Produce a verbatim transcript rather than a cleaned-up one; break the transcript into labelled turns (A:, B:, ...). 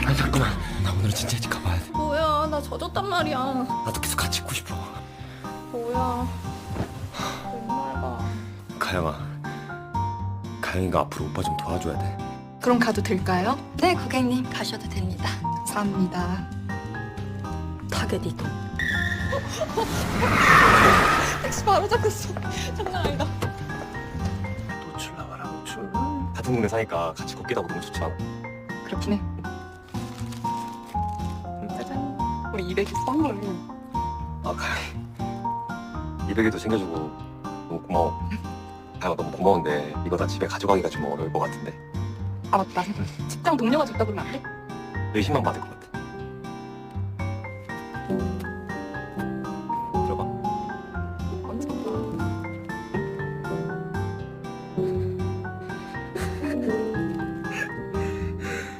A: 아니 잠깐만, 나 오늘은 진짜 일찍 가봐야 돼.
B: 뭐야, 나 젖었단 말이야.
A: 나도 계속 같이 있고 싶어.
B: 뭐야, 맨날 가.
A: 가영아, 가영이가 앞으로 오빠 좀 도와줘야 돼.
B: 그럼 가도 될까요?
C: 네, 고객님 가셔도 됩니다.
B: 감사합니다.
C: 타겟 이동.
B: 택시 바로 잡혔어. 장난 아니다.
A: 노출 나와라, 노출. 같은 동네 사니까 같이 걷기도 하고 너무 좋지 않아?
B: 그렇긴 해. 짜잔. 우리 이백이 선물.
A: 아, 가영이. 이백에도 챙겨주고 너무 고마워. 가영아, 너무 고마운데 이거 다 집에 가져가기가 좀 어려울 것 같은데.
B: 아 맞다. 직장 동료가 줬다 그러면 안 돼?
A: 의심만 받을 것 같아.